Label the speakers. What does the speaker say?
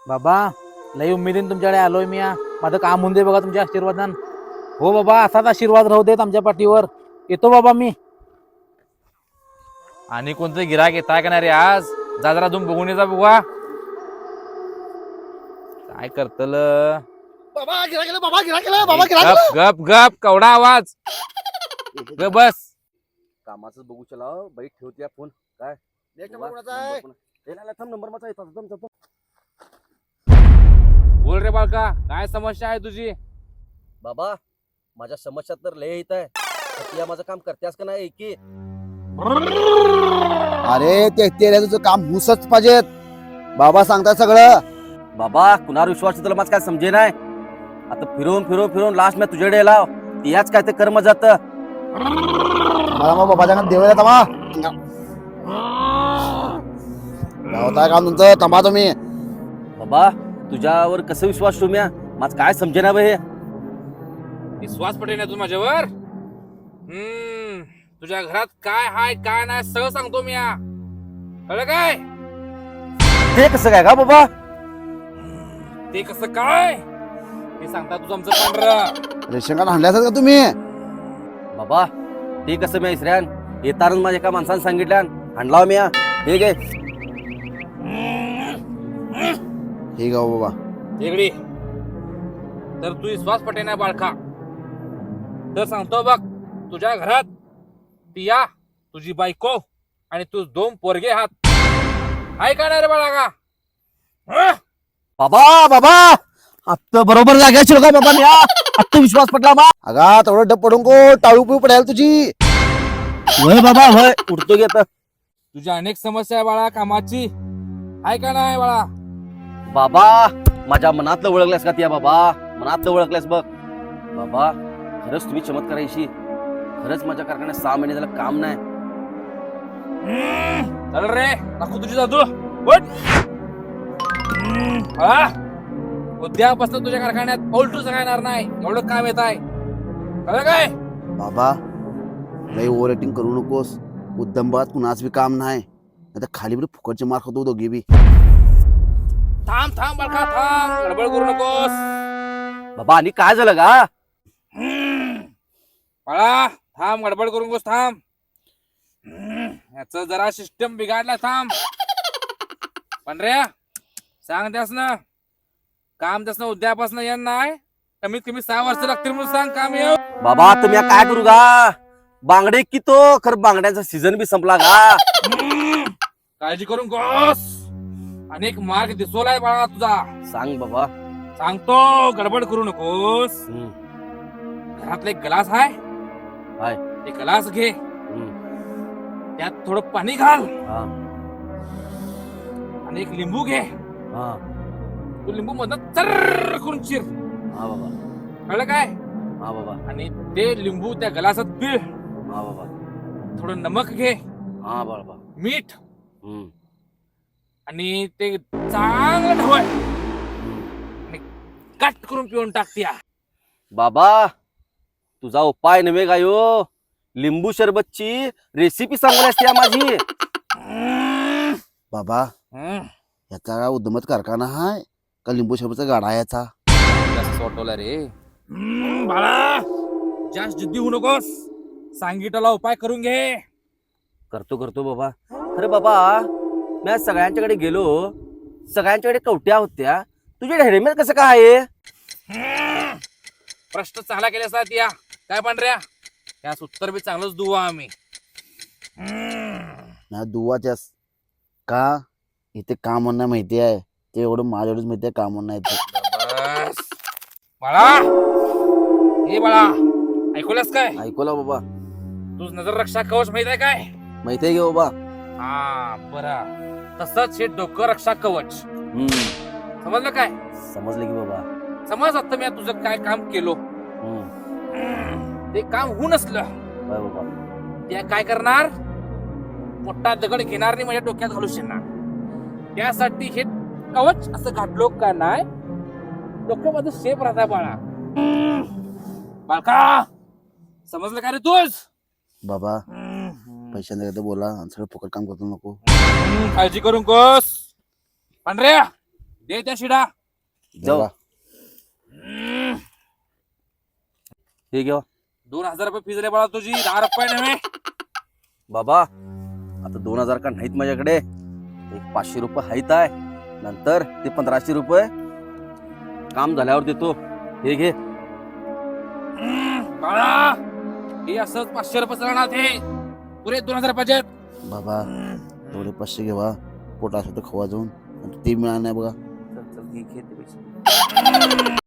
Speaker 1: बाबा लई उमेदीन तुमच्याकडे आलोय मी. माझं काम होऊन दे बघा तुमच्या आशीर्वादान. हो बाबा, असाच आशीर्वाद राहू देत आमच्या पाठीवर. येतो बाबा मी. आणि कोणतं गिराक येत आहे का नाही रे आज? जा जरा तुम्ही बघून येजा बघा काय करतल.
Speaker 2: बाबा गिरा गेलं, बाबा गिरा गेलं, बाबा गिरा गेलं.
Speaker 1: गप गप गप कवडा आवाज. गप बस.
Speaker 3: कामाचं बघू चला बाईक ठेवते फोन. काय
Speaker 2: नेक्स्ट नंबर कोणाचा आहे?
Speaker 3: नंबर माझा येतात.
Speaker 1: बोल रे बाळका, काय समस्या आहे तुझी?
Speaker 3: बाबा माझ्या समस्या तर लय येत आहे. सत्या माझं काम करतेस का नाही की?
Speaker 2: अरे ते तुझं काम हुसच पाहिजेत. बाबा सांगतात सगळं.
Speaker 3: बाबा कुणावर विश्वास तुला माझं काय समजे नाही. आता फिरून फिरून फिरून लास्ट मी तुझ्याकडे येला. याच काय ते कर्म जात.
Speaker 2: मला मग बाबाच्या देवाला तमा होताय काम तुमचं. तमा तुम्ही
Speaker 3: बाबा तुझ्यावर कसं विश्वास ठेवू म्या? माझं काय समजे ना हे.
Speaker 1: विश्वास पटेल ना तू माझ्यावर? तुझ्या घरात काय हाय काय नाही सगळं सांगतो मी. कळलं काय?
Speaker 3: ते कसं काय का बाबा?
Speaker 1: ते कसं काय ते सांगता तुझं आमचं पांढरं.
Speaker 2: रेशन कार्ड आणल्यासात का तुम्ही?
Speaker 3: बाबा ते कसं मी इसऱ्यान येताना माझ्या एका माणसानं सांगितलं आणला मी. हे घे.
Speaker 2: हे गाव बाबा.
Speaker 1: वेगळी तर तू विश्वास पटे ना बाळखा. तर सांगतो बघ, तुझ्या घरात पिया, तुझी बायको आणि तू 2 पोरगे हात हाय का नाही रे बाळा का?
Speaker 3: बाबा बाबा आता बरोबर जाग्याची काय बाबा मी. आता विश्वास पटला बा.
Speaker 2: अगा तेवढं डब पडून को टाळू पिऊ पडेल तुझी.
Speaker 3: होय बाबा होय उडतो की आता.
Speaker 1: तुझ्या अनेक समस्या आहे बाळा कामाची. हाय का नाही बाळा?
Speaker 3: बाबा माझ्या मनातलं ओळखल्यास का त्या? बाबा मनातलं ओळखल्यास बघ. बाबा खरंच तुम्ही चमत्कारायशी. खरंच माझ्या कारखान्यात 6 महिने झालं काम नाही.
Speaker 1: चल रे दाखव तुझी जादू. उठ. उद्यापासून तुझ्या कारखान्यात पाऊल येणार नाही. एवढं काम येत आहे. कळलं काय?
Speaker 2: बाबा लई ओव्हर ऍक्टिंग करू नकोस. उद्दंबात कुणाच बी काम नाही. आता खाली बी फुकटचे मार्क होतो दोघे बी.
Speaker 1: थांब थांब बाळका थांब. गडबड करू नकोस.
Speaker 3: बाबा आणि काय झालं का?
Speaker 1: बाळा थांब, गडबड करू नकोस. थांब. याच जरा सिस्टम बिघाडला. थांब. पंढऱ्या सांग त्यास ना काम त्यास ना उद्यापासून येणार नाही. कमीत कमी 6 वर्ष लागतील म्हणून सांग काम येऊ.
Speaker 3: बाबा तुम्ही काय करू गा? बांगडे की तो खरं बांगड्यांचा सीझन बी संपला का?
Speaker 1: काळजी करून गोस. अनेक मार्ग दिसवलाय बाळा तुझा.
Speaker 3: सांग बाबा.
Speaker 1: सांगतो गडबड करू नकोस. घरातला एक ग्लास आहे.
Speaker 3: हाय.
Speaker 1: ते ग्लास घे. त्यात थोडं पाणी घाल
Speaker 3: हा
Speaker 1: आणि एक लिंबू घे.
Speaker 3: हा
Speaker 1: तू लिंबू मधनं चर्र करून चिर.
Speaker 3: हा बाबा.
Speaker 1: कळलं काय?
Speaker 3: हा बाबा.
Speaker 1: आणि ते लिंबू त्या ग्लासात पिळ.
Speaker 3: हा बाबा.
Speaker 1: थोडं नमक घे,
Speaker 3: हा बाबा.
Speaker 1: मीठ आणि ते चांगलं ढवळ आणि कट करून पिऊन टाकत्या.
Speaker 3: बाबा तुझा उपाय नव्हे गायो. लिंबू शरबतची रेसिपी सांगली असते माझी.
Speaker 2: बाबा याचा काय उद्दमत कारखाना हाय का लिंबू शरबतचा गाडा याचा?
Speaker 1: जास्त वाटवला रे. बाळा जास्त जिद्दी होऊ नकोस. सांगितला उपाय करून घे.
Speaker 3: करतो करतो बाबा. अरे बाबा मी आज सगळ्यांच्याकडे गेलो. सगळ्यांच्याकडे कवट्या होत्या. तुझ्या हेल्मेट कसं काय आहे?
Speaker 1: प्रश्न चांगला केला असतात या काय पांढऱ्या. यास उत्तर बी चांगलंच देऊ आम्ही.
Speaker 2: ना दुवाच्यास का इथे काम होणं माहिती आहे. ते एवढं माझ्यावरच माहिती आहे काम होणं इथे.
Speaker 1: बस. बाळा हे बाळा ऐकूलास काय?
Speaker 2: ऐकूला बाबा.
Speaker 1: तुझ नजर रक्षा कवच माहित आहे काय?
Speaker 2: माहिती आहे की बाबा.
Speaker 1: हा बरं तसंच हे डोकं रक्षा कवच. समजलं काय?
Speaker 3: समजलं की बाबा.
Speaker 1: समज आता मी तुझं काय काम केलो ते काम होऊ नसलं
Speaker 3: बाय बाबा.
Speaker 1: त्या काय करणार? मोठा दगड घेणार नाही माझ्या डोक्यात घालू शकणार. त्यासाठी हे कवच असं घातलो का नाही डोक्यामध्ये शेप राहता बाळा. बाळका समजलं का रे तुझ?
Speaker 2: बाबा पैशांना बोला आणि सगळं फुकट काम करतो नको.
Speaker 1: काळजी करून कोस. पांढऱ्या दे त्या शिडा.
Speaker 3: जाऊ.
Speaker 2: बघा.
Speaker 3: हे घ्या
Speaker 1: 2000 रुपये फीज रे बाळा तुझी, 10 रुपये नव्हे.
Speaker 3: बाबा. आता 2000 का नाहीत माझ्याकडे, एक 500 रुपये आहेत आहे, नंतर ते 1500 रुपये काम झाल्यावर देतो. हे घे.
Speaker 1: बाळा हे असंच 500 रुपये चालणार ते, पुरे 2000 पाहिजेत.
Speaker 2: बाबा एवढे 500 घेवा, पोट असं तर खवा जाऊन आणि ते मिळालं नाही बघा.
Speaker 3: चल चल घे घे ते पैसे.